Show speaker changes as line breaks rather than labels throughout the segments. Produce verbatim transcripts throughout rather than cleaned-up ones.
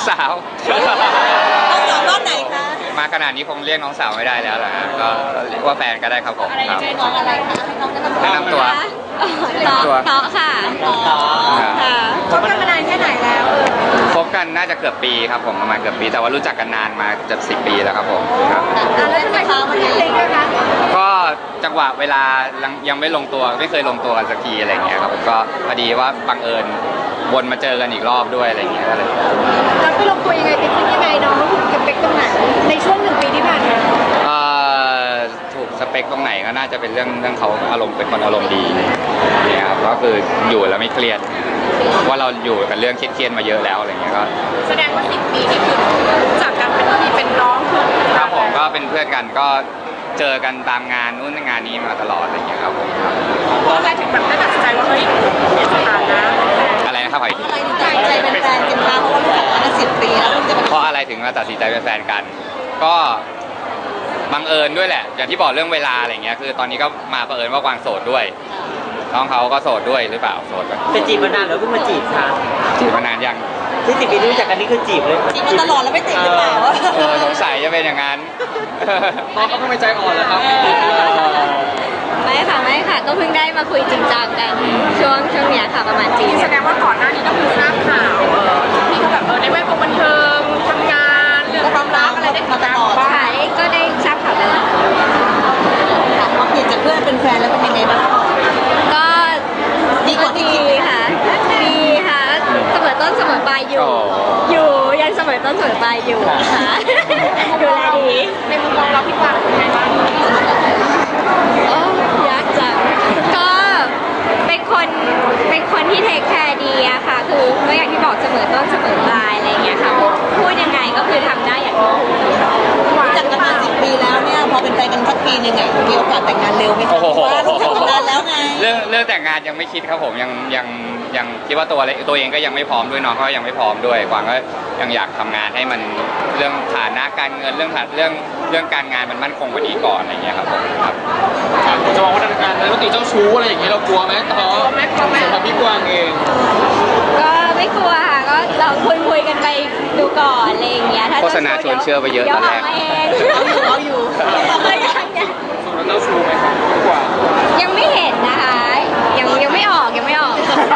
สาว
น้องสาวรอบไหนคะ
มาขนาดนี้คงเรียกน้องสาวไม่ได้แล้วแหละก็เรียกว่าแฟนก็ได้ครับผมครับ
น้องอะไรคะให้น้องแนะนำตัว
แนะนำตัว
ต่อค่ะต่อค่ะคบกันมานานแค่ไหนแล้ว
คบกันน่าจะเกือบปีครับผมประมาณเกือบปีแต่ว่ารู้จักกันนานมาจะสิบปีแล้วครับผมครับ
แล้วทำไมเขามาเล่นด้วยคะ
ก็จังหวะเวลายังไม่ลงตัวไม่เคยลงตัวกันสักทีอะไรเงี้ยครับผมก็พอดีว่าบังเอิญวนมาเจอกันอีกรอบด้วยอะไรเงี้ยก็เลย
แล้วไปลงตัวยังไงติดขึ้นยังไงน้องถูกสเปคตรงไหนในช่วงหนึ่งปีที่ผ่านมา
เอ่อถูกสเปคตรงไหนก็น่าจะเป็นเรื่องเรื่องเขาอารมณ์เป็นคนอารมณ์ดีเนี่ยครับก็คืออยู่แล้วไม่เครียดว่าเราอยู่กับเรื่องเครียดๆมาเยอะแล้วอะไรเงี้ยก็
แสดงว่าสิบปีนี่คือจากกันเป็นพี่เป็นน้องคือ
ครับผมก็เป็นเพื่อนกันก็เจอกันตามงานนู้นงานนี้มาตลอดอะไรเงี้ยครับผม
เพราะอะไรถึงแบบได้ตัดสินใจว่าเฮ้ยเปลี่ยนสถานะ
อะไรนะครับ
อะไรถึงตัดสินใจเป็นแฟนกันคะเพราะว่ารู้จักกันมาสิบปีแล้ว
เพราะอะไรถึงมาตัดสินใจเป็นแฟนกันก็บังเอิญด้วยแหละอย่างที่บอกเรื่องเวลาอะไรเงี้ยคือตอนนี้ก็มาบังเอิญว่ากวางโสดด้วยน้องเขาก็โสดด้วยหรือเปล่าโสดกัน
จะจีบมานานหรือเพิ่งมาจีบคะ
จีบมานานยัง
ที่สิบปีรู้จักกันนี่คือจีบเลย
จีบมาตลอดแล้วไม่ติดหรือเปล่า
เออสงสัยจะเป็นอย่างนั้น
น้องเขาเพิ่งไม่ใจอ่อนแล้วครับ
ไม่ค่ะไม่ค่ะก็เพิ่งได้มาคุยจริงจังกันช่วงช่วงเนี้ยค่ะประมาณจีแสดงว่าก่อนหน้านี้ก็คือทราบข่าวที่เขาแบบเออในแวดวงบันเทิงทำงานเรื่องความรักอะไรได้มาตลอดใช่ก็ได้ทราบข่าวตลอด
พอเปลี่ยนจากเพื่อนเป็นแฟนแล้วเป็นยังไงบ้าง
ก็
ดีกว่า
ดีค่ะดีค่ะเสมอต้นเสมอปลายอยู่อยู่ยันเสมอต้นเสมอปลายอยู่ค่ะดูแลดีในมุมมองเราพี่กวางเป็นไงบ้างโอ้ยากจังก็เป็นคนเป็นคนที่เทคแคร์ดีอะค่ะคือก็อย่างที่บอกเสมอต้นเสมอปลายอะไรเงี้ยค่ะพูดยังไงก็คือทำได้อย่างที่พูด
รู้จักกันมาสิบปีแล้วเนี่ยพอเป็นแฟนกันสักปีนึงเนี่ยมีโอกาสแต่งงานเร็วไหมคะว่ารู้จักกันนานแล้วไง
เรื่องเรื่องแต่งงานยังไม่คิดครับผมยังยังยังคิดว่าตัวตัวเองก็ยังไม่พร้อมด้วยน้องก็ยังไม่พร้อมด้วยกวางก็ยังอยากทำงานให้มันเรื่องฐานะการเงินเรื่องเรื่องเรื่องการงานมันมั่นคงกว่านี้ก่อนอะไรเงี้ยครับผมครับ
จะบอกว่าทางการแล้วตีเจ้าชู้อะไรอย่างเงี้ยเรากลัวไหมต่อสำหรับพี่กวางเอง
ก็ไม่กลัวค่ะก็ลองคุยคุยกันไปดูก่อนอะไรอย่างเงี้ย
โฆษณาชวนเชื่อไปเยอะตอนแรก
เราอยู่เราอยู่ยังยัง
ส่วนเจ้าชู้ไหมครับพี่กวาง
ยังไม่เห็นนะคะยังยังไม่ออกยังไม่ออก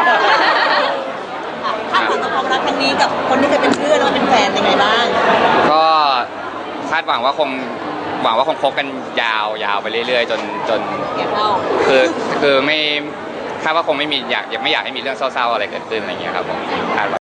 คาดหวังกับความรักครั้งนี้กับคนที่เคยเป็นเพื่อนแล้วเป็นแฟนยังไงบ้าง
ก็คาดหวังว่าคงหวังว่าคงคบกันยาวยาวไปเรื่อยๆจนจนคือคือไม่คาดว่าคงไม่มีอยากยังไม่อยากให้มีเรื่องเศร้าๆอะไรเกิดขึ้นอะไรเงี้ยครับผมคาดว่า